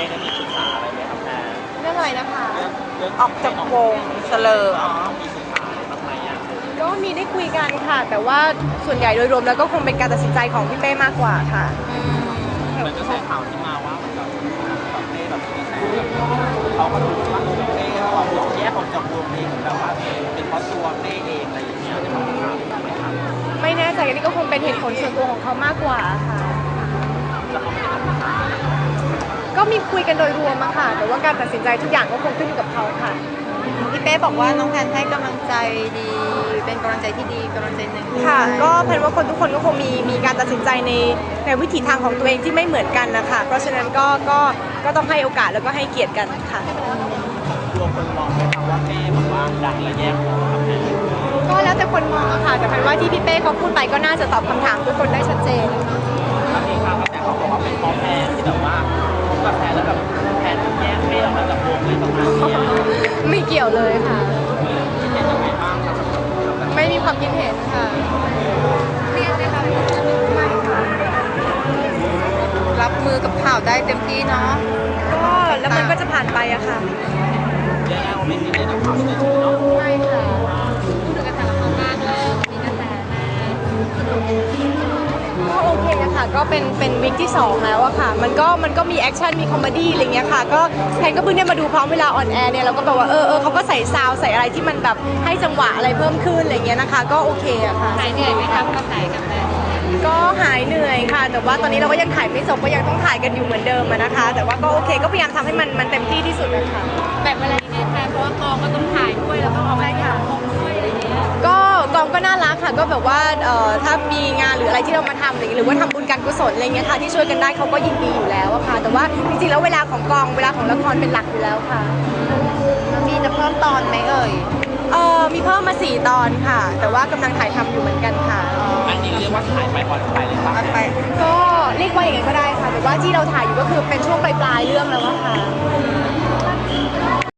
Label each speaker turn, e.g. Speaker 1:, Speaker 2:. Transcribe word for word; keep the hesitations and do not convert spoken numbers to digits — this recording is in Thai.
Speaker 1: ป้ได้มีศึกษาอะไรไหมครับแม่
Speaker 2: เรื่องอะไรนะคะ
Speaker 1: เรื่อง
Speaker 2: ออกจากวงเสลออ๋อ
Speaker 1: มีศึกษาบ้างไหมอ่ะ
Speaker 2: ก็มีได้คุยกันค่ะ แต่ว่าส่วนใหญ่โดยรวมแล้วก็คงเป็นการตัดสินใจของพี่เป้มากกว่าค่ะ
Speaker 1: เหมือนกระแสข่าวที่มาว่าเหมือนกับแบบเป้แบบมีกระแสแบบเขาก็รู้ว่าเป้เขาออกแยกออกจากวงเองแบบว่าเป็นเพราะตัวเป้เองอะไรอย่างเงี้ยจะมาถามไหมครับ
Speaker 2: ไม่แน่ใจอันนี้ก็คงเป็นเหตุผลส่วนตัวของเขามากกว่าค่ะ
Speaker 1: แล้วเขาไม่ได้ทำศึกษา
Speaker 2: ก็มีคุยกันโดยรวมอะค่ะ แต่ว่าการตัดสินใจทุกอย่างก็คงขึ้นอยู่กับเขาค่ะ
Speaker 3: พี่เป้บอกว่าน้องแพนให้กำลังใจดี เป็นกำลังใจที่ดีกำลังใจหนึ่ง
Speaker 2: ค่ะ ก็แพนว่าคนทุกคนก็คงมีมีการตัดสินใจในในวิถีทางของตัวเองที่ไม่เหมือนกันนะคะ เพราะฉะนั้นก็ก็ก็ต้องให้โอกาสแล้วก็ให้เกียรติกันค่ะ
Speaker 1: กลัวคนมองไหมครับว่าเป้แบบว่าดังและแยกวงครับแม่
Speaker 2: ก็แล้วแต่คนมองอะค่ะ แต่แพนว่าที่พี่เป้เขาพูดไปก็น่าจะตอบคำถามทุกคนได้ชัดเจน
Speaker 1: บางทีครับแต่เขาบอกว่าเป็นเพราะแพนที่แบบว่าทุกกระแสแล้วแบบแพนแยกเป้ออกมาจากวงเลยประมาณนี้
Speaker 2: ไม่เกี่ยวเลยค่ะ
Speaker 1: คิดเห็นยังไงบ้างครับ
Speaker 2: ไม่มีความคิดเห็นค่ะเครียดไหมคะไม่ค่ะ
Speaker 3: รับมือกับข่าวได้เต็มที่เนาะ
Speaker 2: ก็แล้วมันก็จะผ่านไปอะค่ะ
Speaker 1: เรียกได้ว่าไม่ซีเรียสกับข่าวเลยเนาะ
Speaker 2: ไม่ค่ะ
Speaker 3: พูดถึงกระแสละครบ้างเริ่มมีกระแสแม่
Speaker 2: ก็โอเคอะค่ะ ก็เป็นเป็นวิกที่สองแล้วอะค่ะ มันก็มันก็มีแอคชั่นมีคอมเมดี้อะไรเงี้ยค่ะ ก็แพนก็เพิ่งได้มาดูพร้อมเวลาออนแอร์เนี่ยเราก็แบบว่าเออเออเขาก็ใส่ซาวด์ใส่อะไรที่มันแบบให้จังหวะอะไรเพิ่มขึ้นอะไรเงี้ยนะคะ ก็โอเคอะค่ะ
Speaker 3: หายเหนื่อยไหมคะกับไหนกับแม่
Speaker 2: ก็หายเหนื่อยค่ะ แต่ว่าตอนนี้เราก็ยังถ่ายไม่จบก็ยังต้องถ่ายกันอยู่เหมือนเดิมอะนะคะ แต่ว่าก็โอเคก็พยายามทำให้มันมันเต็มที่ที่สุดนะคะ
Speaker 3: แบบเวลาที่แม่เพราะว่ากองก็ต้องถ่ายด้วยแล้วก็ออกมาถ่ายกองด้วยอะไรอย่างเงี้ย
Speaker 2: ก็กองก็น่ารักค่ะก็แบบว่าเอ่อถ้ามีงานหรืออะไรที่เรามาทำอะไรอย่างเงี้ยหรือว่าทำบุญการกุศลอะไรเงี้ยค่ะที่ช่วยกันได้เขาก็ยินดีอยู่แล้วอะค่ะ แต่ว่าจริงๆแล้วเวลาของกองเวลาของละครเป็นหลักอยู่แล้วค่ะ
Speaker 3: มีจะเพิ่มตอนไหมเอ่ย
Speaker 2: เออมีเพิ่มมาสี่ตอนค่ะ แต่ว่ากำลังถ่ายทำอยู่เหมือนกันค่ะ
Speaker 1: อันนี้เรียกว่าถ่ายไปออนไปเลยป่ะ
Speaker 3: ไป
Speaker 2: ก็เรียกว่าอย่างนั้นก็ได้ค่ะ แต่ว่าที่เราถ่ายอยู่ก็คือเป็นช่วงปลายๆเรื่องแล้วอะค่ะ